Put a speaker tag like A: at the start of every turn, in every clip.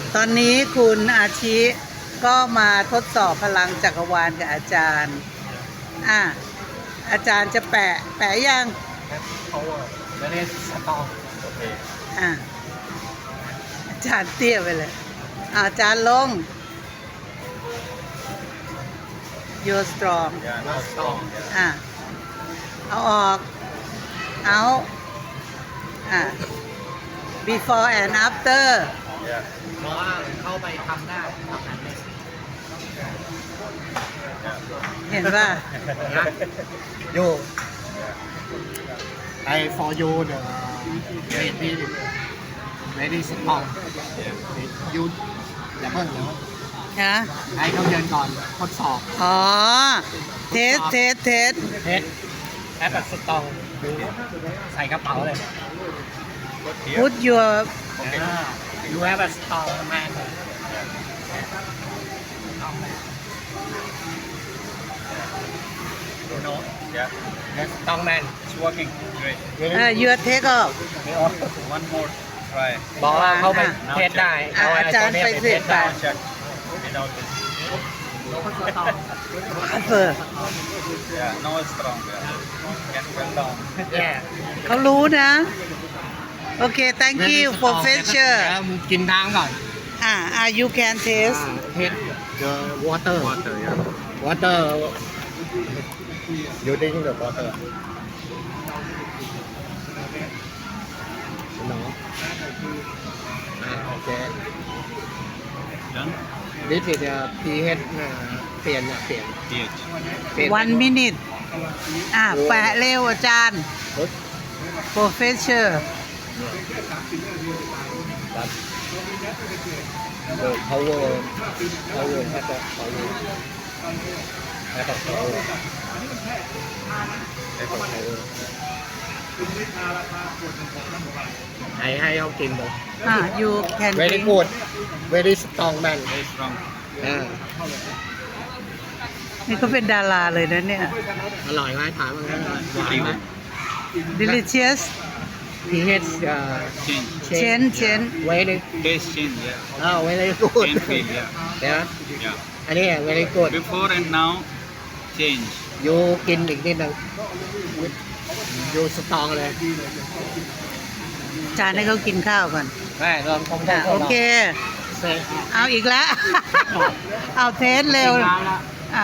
A: ตอนนี้คุณอาชิก็มาทดสอบพลังจักรวาลกับอาจารย์อาจารย์จะแปะยัง
B: power very strong โอเค
A: อาจารย์เตี้ยไปเลยอาจารย์ลง you're strong
B: yeah not strong yeah
A: เอาออกเอา before and after
B: yeah
C: เพราะว่าเข้าไปทำได้ทำนั้นเลย
A: เห็นป่ะ
C: you I for you the very very strong you อย่าเพิ่งเดี๋ยว
A: ฮะ
C: ให้เขาเดินก่อนทดสอบ
A: อ๋อ เทส
C: เทสแอปแบบสตองใส่กระเป๋าเลย
A: put your
C: you have a strong man you know
B: yeah
C: that strong man
B: it's working great
A: your take off
B: one more try
C: บอกว่าเขาไปเทสได้
A: อาจารย์ไปเทสได้
B: check without this
A: upper
B: yeah no strong yeah can fell down
C: แย่
A: เขารู้นะ โอเค thank you professor
C: แล้วมึงกินน้ำก่อน
A: you can taste
C: Hit the water.
B: water yeah
C: Water. You drink the water. No. Okay.
B: done
C: This is the pH เปลี่ยน
B: pH
A: one minute แปะเร็วอาจารย์ professor
C: But the power has a power. Has a power. Has a power. ให้เขากินเลย
A: you can
C: Very
A: drink
C: good. Very strong man.
B: very strong
A: นี่ก็เป็นดาราเลยนะเนี่ย
C: อร่อยไหมถามมันหวานไหม
A: delicious
C: pH
B: change
A: chen
C: very
B: taste change yeah
C: very good
B: can feel yeah
C: เดี๋ยว
B: yeah
C: อันนี้ very good
B: before and now change
C: ยูกินอีกนิดนึงยูสตรองเลย
A: อาจารย์ให้เขากินข้าวก่อน
C: แม่ลองคงได้
A: โอเค
C: เสร็จ
A: เอาอีกแล้ว เอาเทสเร็วอ่ะ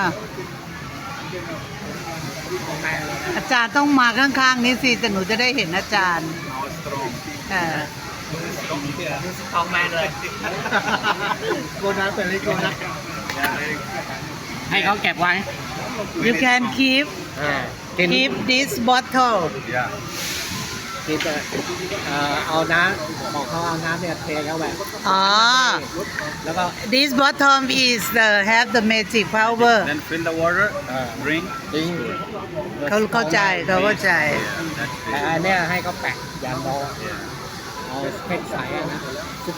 A: อาจารย์ต้องมาข้างๆนี้สิแต่หนูจะได้เห็นอาจารย์
B: now strong
C: ยูสตรองแมนเลยโกนัสเป็นลิโกนัสให้เขาเก็บไว้
A: you can keep
C: กิน
A: keep this bottle
B: yeah
C: กินเอาน้ำบอกเขาเอาน้ำเนี่ยเทเข้าไป
A: อ๋อ
C: แล้วก็
A: this bottle is the have the magic power
B: then fill the water drink
C: ดิ้ง
A: เขาเข้าใจ
B: yeah that's
C: แต่
B: it
C: อันเนี้ยให้เขาแปะยางโมเอาเพชรใสอะนะ